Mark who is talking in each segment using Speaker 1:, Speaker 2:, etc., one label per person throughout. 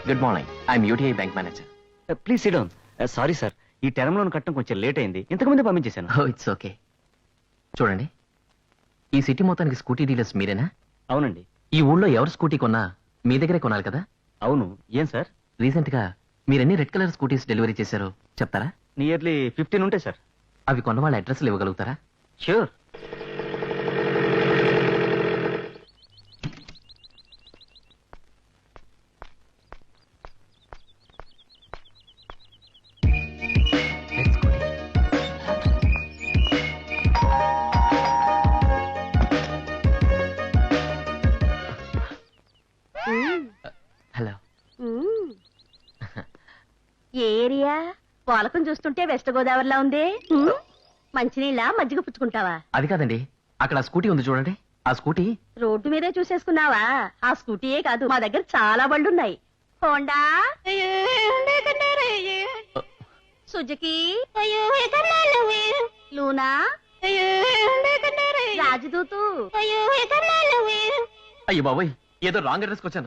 Speaker 1: Good morning, I'm UTI bank manager.
Speaker 2: Please sit down. Sorry sir, ఈ term loan కట్టడం కొంచెం late అయింది, ఇంతకుముందే పంపించేశాను.
Speaker 1: Oh it's okay. చూడండి, ఈ సిటీ మొత్తానికి స్కూటీ డీలర్స్ మీరేనా?
Speaker 2: అవునండి.
Speaker 1: ఈ ఊళ్ళో ఎవరు స్కూటీ కొన్నా మీ దగ్గరే కొనాలి కదా?
Speaker 2: అవును. ఏం సార్?
Speaker 1: రీసెంట్ గా మీరెన్ని రెడ్ కలర్ స్కూటీస్ డెలివరీ చేశారో చెప్తారా?
Speaker 2: నియర్లీ 15 ఉంటాయి సార్.
Speaker 1: అవి కొన్న వాళ్ళ అడ్రస్లు ఇవ్వగలుగుతారా?
Speaker 2: ష్యూర్.
Speaker 1: Let's go. హలో.
Speaker 3: ఏ ఏరియా? పోలకం చూస్తుంటే వెస్ట్ గోదావరిలా ఉంది. మంచినీళ్ళ మజ్జిగ పుచ్చుకుంటావా?
Speaker 1: అది కాదండి, అక్కడ ఆ స్కూటీ ఉంది చూడండి. ఆ స్కూటీ
Speaker 3: రోడ్డు మీదే చూసేసుకున్నావా? ఆ స్కూటీయే కాదు, మా దగ్గర చాలా బళ్ళున్నాయి. Honda, Suzuki, Luna, Rajdoot.
Speaker 1: అయ్యో బాబోయ్, ఏదో రాంగ్ అడ్రస్కి వచ్చాను.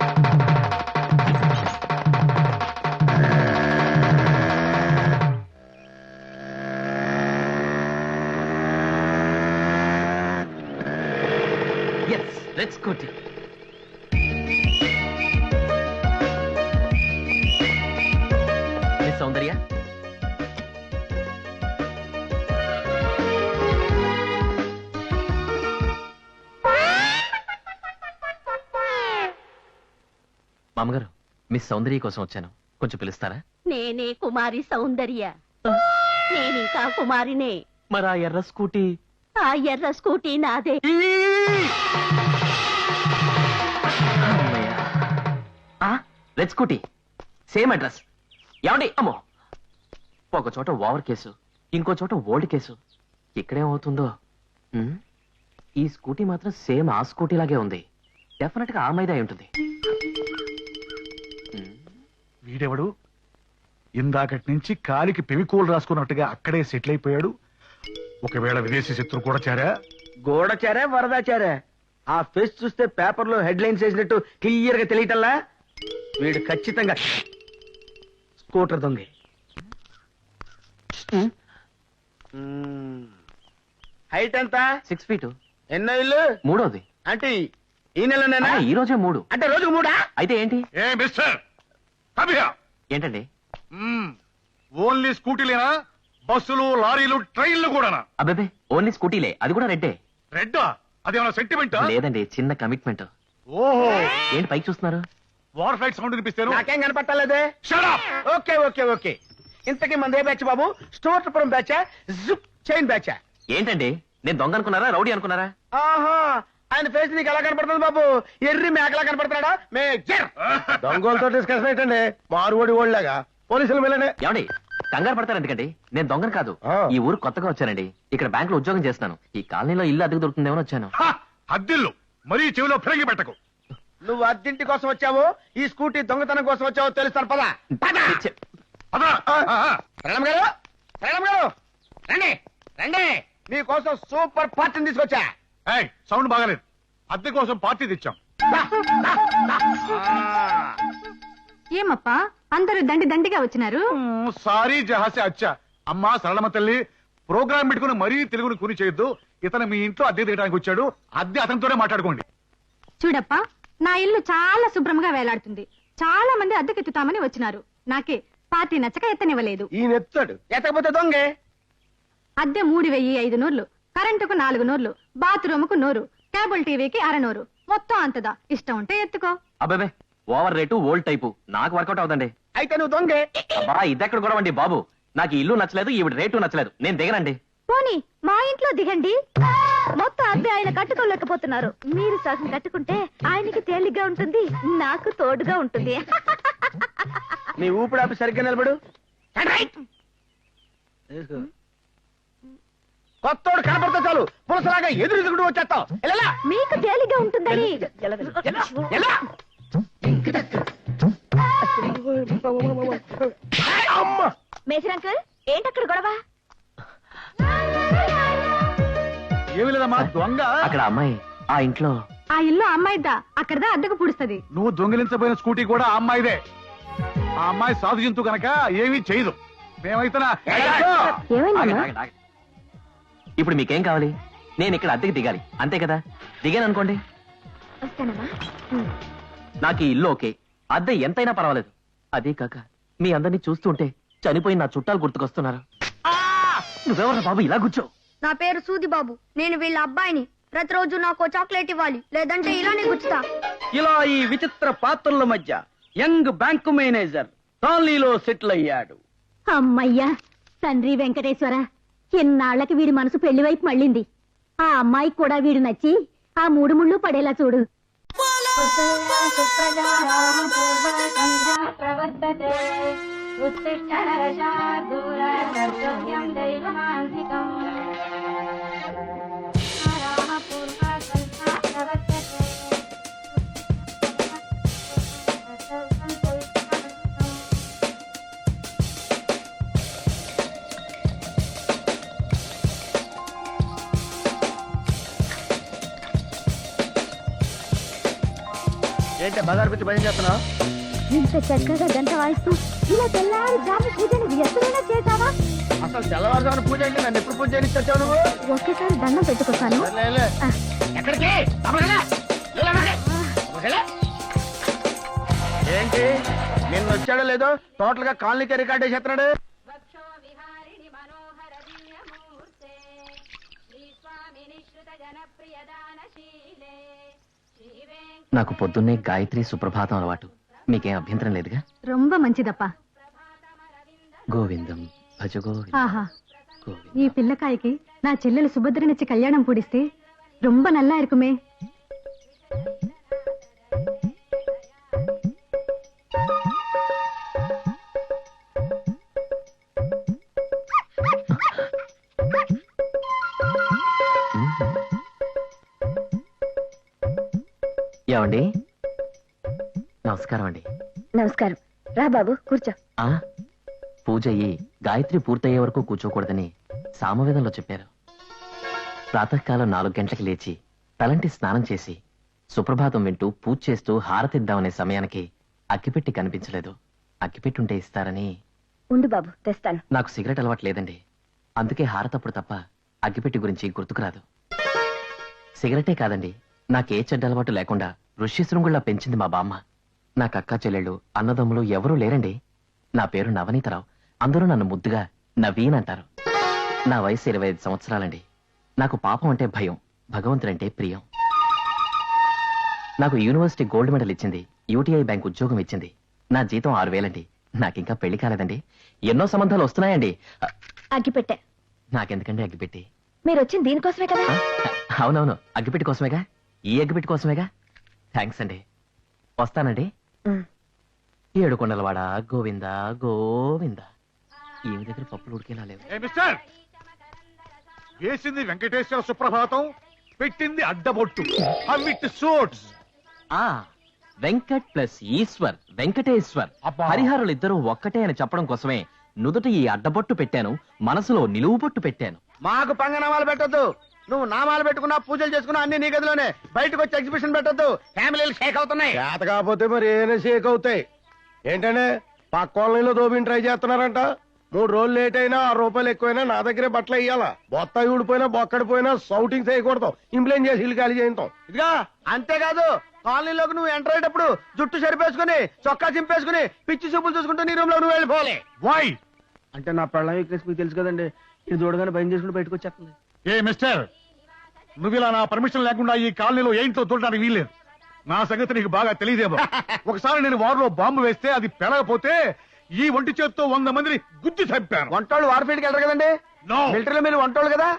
Speaker 1: Yes, let's go. Miss Saundarya. మామగారు, మిస్ సౌందర్య కోసం వచ్చాను, కొంచెం పిలుస్తారా?
Speaker 3: నేనే కుమారి సౌందర్య. నేనింకా కుమారినే.
Speaker 1: మరి ఆ ఎర్ర స్కూటీ?
Speaker 3: ఆ ఎర్ర స్కూటీ నాదే.
Speaker 1: Red scooty, same address. ఏమండి? అమ్మో, ఒక చోట ఓవర్ కేసు, ఇంకో చోట ఓల్డ్ కేసు. ఇక్కడేమవుతుందో. ఈ స్కూటీ మాత్రం సేమ్ ఆ స్కూటీ లాగే ఉంది. డెఫినెట్ గా ఆ మీద అయి ఉంటుంది.
Speaker 4: వీడెవడు? ఇందాకటి నుంచి కాలికి పెవికోలు రాసుకున్నట్టుగా అక్కడే సెటిల్ అయిపోయాడు. ఒకవేళ విదేశీ శత్రు కూడా చేరా?
Speaker 2: గోడచారా వరదాచారా? ఆ ఫేస్ చూస్తే పేపర్ లో హెడ్ లైన్స్ వేసినట్టు క్లియర్ గా తెలియటల్లా. వీడు ఖచ్చితంగా స్కూటర్ దొంగ. హైట్ ఎంత?
Speaker 1: 6 feet.
Speaker 2: ఎన్నో ఇల్లు?
Speaker 1: మూడోది.
Speaker 2: అంటే ఈ నెలనేనా?
Speaker 1: ఈ రోజే 3.
Speaker 2: అంటే రోజుకు 3?
Speaker 1: అయితే ఏంటి?
Speaker 4: ఏ మిస్టర్, come here.
Speaker 1: ఏంటండి?
Speaker 4: ఓన్లీ స్కూటీలేనా? బస్సులు, లారీలు, ట్రైన్లు కూడానా?
Speaker 1: అబ్బాబే, ఓన్లీ స్కూటీలే, అది కూడా రెడ్డే.
Speaker 4: రెడ్డా? అదేమన్నా సెంటిమెంటా?
Speaker 1: లేదండి, చిన్న కమిట్మెంట్.
Speaker 4: ఓహో,
Speaker 1: ఏంటి పైకి చూస్తున్నారు?
Speaker 4: వార్ ఫ్లైట్ సౌండ్ వినిపిస్తాను.
Speaker 2: నాకేం కనపట్టాలేదే.
Speaker 4: Shut up.
Speaker 2: Okay okay okay. ఇంతకీ మందే బ్యాచ్ బాబు? స్టోర్పురం బ్యాచా, జుప్ చైన్ బ్యాచా?
Speaker 1: ఏంటండి, నేను దొంగ అనుకున్నారా, రౌడీ అనుకున్నారా?
Speaker 2: ఆహా, ఆయన ఫేస్ నీకు ఎలా కనపడుతుంది బాబు? ఎర్రి మేకలా కనపడుతున్నాడా? మేజర్ దొంగలతో డిస్కషన్ ఏంటండి? మారువడి ఓళ్ళగా పోలీసులు వెళ్ళండి.
Speaker 1: ఏమండి, కంగారు పడతారు ఎందుకండి? నేను దొంగను కాదు. ఈ ఊరు కొత్తగా వచ్చానండి. ఇక్కడ బ్యాంక్ లో ఉద్యోగం చేస్తాను. ఈ కాలనీలో ఇల్లు అద్దెకు దొరుకుతుందేమో వచ్చాను.
Speaker 4: అద్దిల్లు మరీ చెవిలో ఫిరంగి పెట్టకు.
Speaker 2: నువ్వు అద్దెంటి కోసం వచ్చావో, ఈ స్కూటీ దొంగతనం కోసం వచ్చావో తెలుస్తాను. పద
Speaker 4: అదా
Speaker 2: ప్రణమ్ గారు, ప్రణమ్ గారు, రండి రండి. మీకోసం సూపర్ పార్టీని తీసుకొచ్చా.
Speaker 4: సౌండ్ బాగాలేదు. అద్దె కోసం పార్టీ తెచ్చాం.
Speaker 5: ఏమప్పా అందరూ దండిగా వచ్చినారు?
Speaker 4: సారీ జహాసే అచ్చా. అమ్మా సరళమ్మ తల్లి, ప్రోగ్రామ్ పెట్టుకుని మరీ తెలుగుని కూని చేయొద్దు. ఇతను మీ ఇంట్లో అద్దె తీయడానికి వచ్చాడు. అద్దె అతనితోనే మాట్లాడుకోండి.
Speaker 5: చూడప్పా, నా ఇల్లు చాలా శుభ్రంగా వేలాడుతుంది. చాలా మంది అద్దెకెత్తుతామని వచ్చినారు. నాకే పార్టీ నచ్చక ఎత్తనివ్వలేదు.
Speaker 2: ఈయన ఎత్తాడు, ఎత్తకపోతే దొంగే.
Speaker 5: అద్దె 3500, కరెంటుకు 400, బాత్రూముకు 100, కేబుల్ టీవీకి 600, మొత్తం అంతదా. ఇష్టం ఉంటే ఎత్తుకో.
Speaker 1: అబ్బాబే, ఓవర్ రేటు, ఓల్డ్ టైపు నాకు వర్కౌట్ అవుతండి.
Speaker 2: అయితే నువ్వు దొంగే.
Speaker 1: అబ్బా, ఇదెక్కడ కూడా అండి బాబు. నాకు ఈ ఇల్లు నచ్చలేదు, ఈవిడ రేటు నచ్చలేదు, నేను దిగనండి.
Speaker 3: పోనీ మా ఇంట్లో దిగండి. మొత్తం అద్దె ఆయన కట్టుకోలేకపోతున్నారు. మీరు సగం కట్టుకుంటే ఆయనకి తేలిగ్గా ఉంటుంది, నాకు తోడుగా ఉంటుంది.
Speaker 2: నీ ఊపిడాపి సరిగ్గా నిలబడు. కొత్తోడు కనపడితే చాలు పులసలాగా ఎదురు వచ్చేస్తావు.
Speaker 3: మీకు తేలిగ్గా ఉంటుందని. మేజర్ అంకుల్, ఏంటక్కడ గొడవ?
Speaker 4: ఏమి లేదమ్మా, దొంగ
Speaker 1: అక్కడ అమ్మాయి ఆ ఇంట్లో
Speaker 5: ఆ ఇల్లు అమ్మాయిదా, అక్కడదా అద్దెకు పుడుస్తుంది.
Speaker 4: నువ్వు దొంగిలించబోయిన స్కూటీ కూడా ఆ అమ్మాయిదే. ఆ అమ్మాయి సాధు జంతు కనుక ఏమీ చేయదు. మేమైతే
Speaker 3: ఏమైందమ్మా?
Speaker 1: ఇప్పుడు మీకేం కావాలి? నేను ఇక్కడ అద్దెకి దిగాలి అంతే కదా? దిగాను అనుకోండి,
Speaker 3: వస్తానమ్మా.
Speaker 1: నాకు ఈ ఇల్లు ఓకే, అద్దె ఎంతైనా పర్వాలేదు. అదే కాక మీ అందరినీ చూస్తుంటే చనిపోయిన నా చుట్టాలు గుర్తుకొస్తున్నారు. నువ్వెవరా బాబు ఇలా కూర్చో?
Speaker 6: నా పేరు సూది బాబు. నేను వీళ్ళ అబ్బాయిని. ప్రతిరోజు నాకు చాక్లెట్ ఇవ్వాలి, లేదంటే ఇలానే గుచ్చుతా.
Speaker 2: ఇలా ఈ విచిత్ర పాత్రల మధ్య యంగ్ బ్యాంకు మేనేజర్ కాలనీలో సెటిల్ అయ్యాడు.
Speaker 3: అమ్మయ్యా, తండ్రి వెంకటేశ్వర, ఎన్నాళ్లకి వీడి మనసు పెళ్లి వైపు మళ్ళింది. ఆ అమ్మాయికి కూడా వీడు నచ్చి ఆ 3 ముళ్ళు పడేలా చూడు.
Speaker 2: ఏంటి బజార్ పిచ్చి భయం చేస్తున్నావు?
Speaker 3: ఇంత చక్కగా గంట వాయిస్తూ ఇలా తెల్లారి జాము పూజను ఎప్పుడైనా చేశావా?
Speaker 2: అసలు తెల్లవారుజామున పూజ అంటే నన్ను ఎప్పుడు పూజ చేయించావు నువ్వు?
Speaker 3: ఒక్కసారి దండం పెట్టుకొస్తాను.
Speaker 2: ఎక్కడికి? ఏంటి నిన్న వచ్చాడో లేదో టోటల్ గా కాలనీకి రికార్డ్ చేస్తున్నాడు.
Speaker 1: నాకు పొద్దున్నే గాయత్రి సుప్రభాతం అలవాటు. మీకేం అభ్యంతరం లేదుగా?
Speaker 5: రొంబ మంచిదప్పా.
Speaker 1: గోవిందం భజ గోవిందం
Speaker 5: ఆహా,
Speaker 1: గోవిందం.
Speaker 5: ఈ పిల్లకాయకి నా చెల్లెలు సుభద్రనిచ్చి కళ్యాణం పూడిస్తే రొంబ నల్లా இருக்குமே.
Speaker 1: ఏమండి? నమస్కారం అండి.
Speaker 3: నమస్కారం. రా బాబు, కూర్చో.
Speaker 1: ఆ పూజ అయ్యి గాయత్రి పూర్తయ్యే వరకు కూర్చోకూడదని సామవేదంలో చెప్పారు. ప్రాతకాలం 4 గంటలకు లేచి తలంటి స్నానం చేసి సుప్రభాతం వింటూ పూజ చేస్తూ హారతిద్దామనే సమయానికి అగ్గిపెట్టి కనిపించలేదు. అగ్గిపెట్టుంటే ఇస్తారని.
Speaker 3: ఉండు బాబు, తెస్తాను.
Speaker 1: నాకు సిగరెట్ అలవాటు లేదండి, అందుకే హారతప్పుడు తప్ప అగ్గిపెట్టి గురించి గుర్తుకురాదు. సిగరెటే కాదండి, నాకే చెడ్డ అలవాటు లేకుండా ఋష్యశృంగుళ్లా పెంచింది మా బామ్మ. నాకు అక్క చెల్లెళ్ళు అన్నదమ్ములు ఎవరూ లేరండి. నా పేరు నవనీతరావు. అందరూ నన్ను ముద్దుగా నవీన్ అంటారు. నా వయసు 25 సంవత్సరాలండి. నాకు పాపం అంటే భయం, భగవంతుడంటే ప్రియం. నాకు యూనివర్సిటీ గోల్డ్ మెడల్ ఇచ్చింది, యూటీఐ బ్యాంక్ ఉద్యోగం ఇచ్చింది. నా జీతం 6,000 అండి. నాకింకా పెళ్లి కాలేదండి. ఎన్నో సంబంధాలు వస్తున్నాయండి.
Speaker 3: అగ్గిపెట్టె.
Speaker 1: నాకెందుకండి అగ్గిపెట్టి?
Speaker 3: మీరు వచ్చింది దీనికోసమే కదా?
Speaker 1: అవునవును, అగ్గిపెట్టి కోసమేగా. ఈ అగ్గిపెట్టి కోసమేగా. థ్యాంక్స్ అండి. వస్తానండి. 7 కొండలవాడ గోవింద గోవింద. ఈమె దగ్గర పప్పులు ఉడికేలా లేవు.
Speaker 4: మిస్టర్, వేసింది వెంకటేశ్వర సుప్రభాతం, పెట్టింది అడ్డబొట్టు. అవిట్ సూట్స్.
Speaker 1: ఆ వెంకట్ ప్లస్ ఈశ్వర్, వెంకటేశ్వర్.
Speaker 4: అబ్బా.
Speaker 1: హరిహరులు ఇద్దరు ఒక్కటే అని చెప్పడం కోసమే నుదుట ఈ అడ్డబొట్టు పెట్టాను, మనసులో నిలువు బొట్టు పెట్టాను.
Speaker 2: మాకు పంగనామాలు పెట్టొద్దు. నువ్వు నామాలు పెట్టుకున్నా పూజలు చేసుకున్నా అన్ని నీ గదిలోనే. బయటకు వచ్చి ఎగ్జిబిషన్ పెట్టొద్దు. ఫ్యామిలీలు షేక్ అవుతున్నాయి.
Speaker 7: చేత కాకపోతే మరి ఏమైనా షేక్ అవుతాయి. ఏంటంటే పక్క కాలనీలో దోబిని ట్రై చేస్తున్నారంట. 3 రోజులు లేట్ అయినా 6 రూపాయలు ఎక్కువైనా నా దగ్గరే బట్టలు ఇయ్యాలా. బొత్త ఊడిపోయినా బొక్కడిపోయినా సౌటింగ్ చేయకూడదు. ఇంప్లైన్ చేసి ఇల్లు ఖాళీ చేయించాం.
Speaker 2: ఇదిగా అంతేకాదు, కాలనీలోకి నువ్వు ఎంటర్ అయ్యేటప్పుడు జుట్టు సరిపేసుకుని చొక్కా చింపేసుకుని పిచ్చి చూపులు చూసుకుంటూ నీ రూమ్ లో నువ్వు వెళ్ళిపోవాలి.
Speaker 4: వై?
Speaker 2: అంటే నా పెళ్ళం వీక్నెస్ మీకు తెలుసు కదండి. ఇది చూడగానే భయం చేసుకుని బయటకు వచ్చేస్తుంది.
Speaker 4: ఏ మిస్టర్, నువ్వు ఇలా నా పర్మిషన్ లేకుండా ఈ కాలనీలో ఏంటో చూడడానికి వీల్లేదు. నా సంగతి నీకు బాగా తెలియదేమో. ఒకసారి నేను వారిలో బాంబు వేస్తే అది పెరగపోతే ఈ ఒంటి చేత్తో 100 మందిని గుద్ది చంపాను.
Speaker 2: వంటోళ్ళు వార్ఫీల్డ్కి వెళ్ళరు కదండి.
Speaker 4: No.
Speaker 2: మిలిటరీలో మీరు వంటోళ్ళు కదా.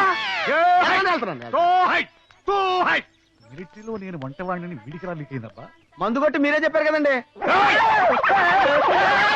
Speaker 4: మిలిటరీలో నేను వంటవాడిని వీడికి రా లీక్ అయిందబ్బా.
Speaker 2: మందు కొట్టి మీరే చెప్పారు కదండి.